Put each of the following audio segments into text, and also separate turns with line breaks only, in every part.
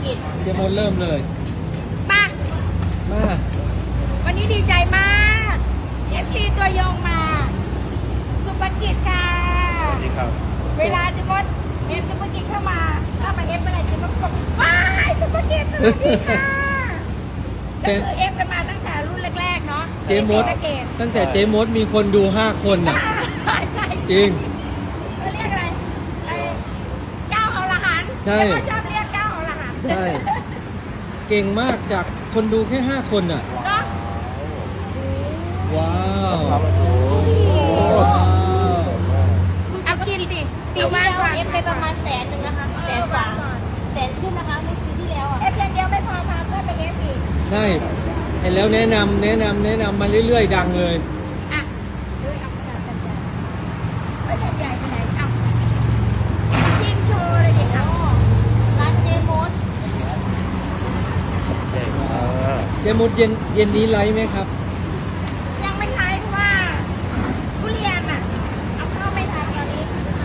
กิจ
เจมส์เริ่มเลย
มา
มา
วันนี้ดีใจมากเอฟซีตัวยงมาสุภกิจค่ะ
สวัสดีครับ
เวลาจะมดเอฟสุภกิจเข้ามาเอฟอะไรจะมดบอกว้ายสุภกิจสวัสดีค่ะก็คือเอฟกันมาตั้งแต่รุ่นแรกๆเนาะ
เจมส์
ตะเกต
ตั้งแต่เจมส์มีคนดู5 คนอ่ะ
ใช่
จริง
เขาเรียกอะไรไอ้เก้าอรหันต์
ใช่
เรียกว่าชอบเรียกเก้าอรหันต์
ใช่ เก่งมากจากคนดูแค่5 คนอ่ะ
เนาะ
ว้าว
ครับ
ว้าว
เอากินดิ
ปีที่แล้วเอฟไปประมาณ100,000นะคะ100,000 กว่าแสนขึ้นนะคะไม่ปีที่แล้วอ่ะ
เอฟอย่างเดียวไม่พอพาเพื่อนไปเอฟอีก
ใช่เห็นแล้วแนะนำมาเรื่อยๆ ดังเลย
อ่ะด้วยเอาขนาดกันใหญ่ไม่ใช่ใหญ่ไปไหนเอากินโชว์เลยดิเอา
ร้านเจมส์
เจมส์เย็นนี้ไลฟ์ไหมครับ
ยังไม่ทายเพราะว่าทุเรียนอ่ะเอาเข้าไม่ทันตอนนี้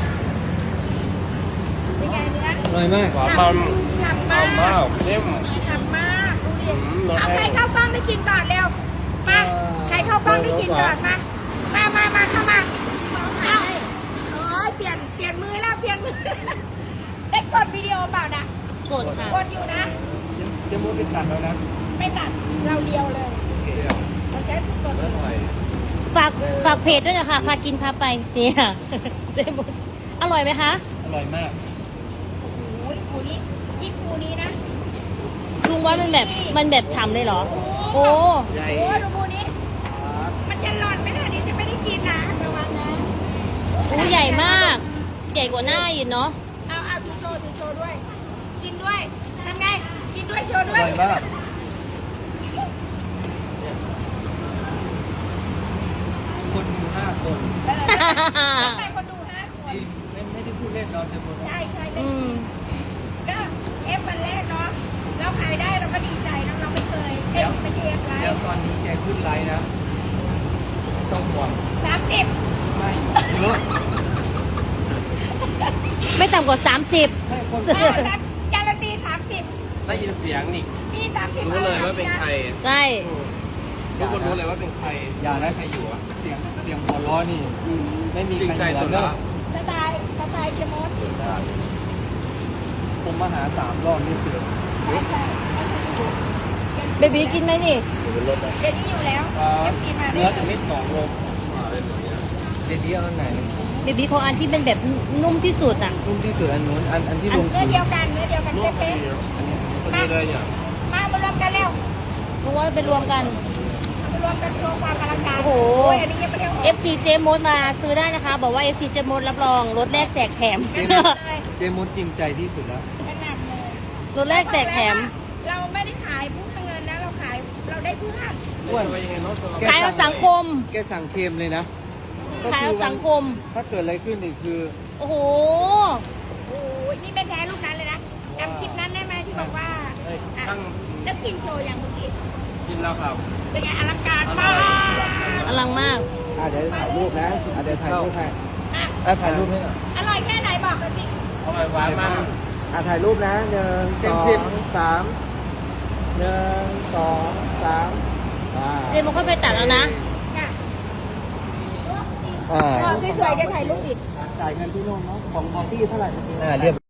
เป็นไงเนื้อ
อร่อยมาก
หวานมัน
ฉ่ำ
หอม
มาม
าก กเข้ม
ฉ่ำมากทุเรียน
รส
เอา
แห้
ใครง เข้ากล้องได้กินก่อนเร็วมาใครเข้ากล้องได้กินก่อนมาเข้ามาเอาโอ้ยเปลี่ยนมือแล้วเปลี่ยนมือได้กดวิดีโอเปล่านะ
กดค่ะ
กดอยู่นะ
เจมูดเป็นตัดแล้วนะ
ไม่ตัดเราเดียวเลยเราใช้สด
อร่อย
ฝากเพจด้วยนะคะพากินพาไปเนี่ยเจมส์อร่อยไหมคะ
อร่อยมาก
ๆโอ้ยคูนี้ยิ่งคูนี้นะ
ลุงว่ามันแบบฉ่ำเลยเหรอ โอ้
ใหญ่
โอ้ดูคูนี้ มันจะหล่อนไหมล่ะนี่จะไม่ได้กินนะระวังนะ
หูใหญ่มาก ใหญ่กว่าหน้าอีกเนาะ
เอาถือโชว์ด้วย กินด้วยทำไงกินด้วยโชว์
อ
ด้วย
ร่อยมาก คนดู5 คน
ทำไมคนดู5 คน
จริงไม่ได้พูดเล่นเราเจมส์
ใช่เป็
อื
น
ม
ก็เอฟวันแรกเนาะเราขายได้เราก็ดีใจนะเราไม่เคยเอฟไม่ใช่เอฟไล
แล้ว
ฟ์
ตอนนี้แกขึ้นไลฟ์นะต้องห่วง
30
ไม่เยอะ
ไม่ต่ำกว่า 30
ให้คน
การันตี30
ได้ยินเสียงนี่
มี30
รู้เลยว่าเป็นใคร
ใช่
ทุกคนรู้เลยว่าเป็นใคร
อย่านะ
ใครอยู่อ่ะ
เสียงหัวล้อนี่ ไม่มี
จริง
ใคร
ใจ
เหมื
สุ
อ
ด
นเน
ละ
อะ
สไตล์เชมอน
ผมมาหา3 รอบนี่คือ
เบบีกินไหมนี่
อยู่บนรถนะ
เดี๋ยวนี้อยู่แล้วเอฟกินมา
เนื้อถึงไม่2 โลเด็ดนี้เอาอันไหน
เบบีของอันที่เป็นแบบนุ่มที่สุดอ่ะ
นุ่มที่สุดอันนู้นอันที่ลง
เนื้อเดียวกัน
รวม
เป๊ะ
พอดีเลยเนี่ย
ๆมารวมกันแล้ว
ลุงว่าไปรวมกัน
มารวมกันโชว์ความอลังการ
โอ้โห
ยอันนี้ยังไม่ได้ออก
FC เจมส์มาซื้อได้นะคะ บอกว่า FC เจมส์รับรองรถแรกแจกแถม
เจมุดจริงใจที่สุดแล้ว
ขนาดเลย
รถแรกแจกแถม
เราไม่ได้ขายผู้เงินนะเราได้เพื่อน
อ้วน
ไปยังไงเนาะตัว
ขายเอาสังคม
แกสั่งเค็มเลยนะ
ขายเอาสังคม
ถ้าเกิดอะไรขึ้นอีกคือ
โอ้โห
โอ้ยนี่ไม่แพ้ลูกนั้นเลยนะจำคลิปนั้นได้ไหมที่บอกว่า
ตั้ง
นักกินโชว์อย่างเมื่อกี้
กินแล้วครับ
เป็นไงอลังการมาก
อลังมาก
เดี๋ยวถ่ายรูปนะเดี๋ยวถ่ายรูปให้
อ่ะ
ถ่ายรูปให้หน่อย
อร่อยแค่ไหนบอกกันสิ
อร่อยหวานมัน
ถ่ายรูปนะ1 2 3 1 2 3
เจมส์ค่อยไปตัดแล้วนะ
ค่ะ
อ่า
สวยๆจะถ่ายรูปอีก
จ่ายเงินที่โน่นเนาะของพี่เท่าไหร่เรียบ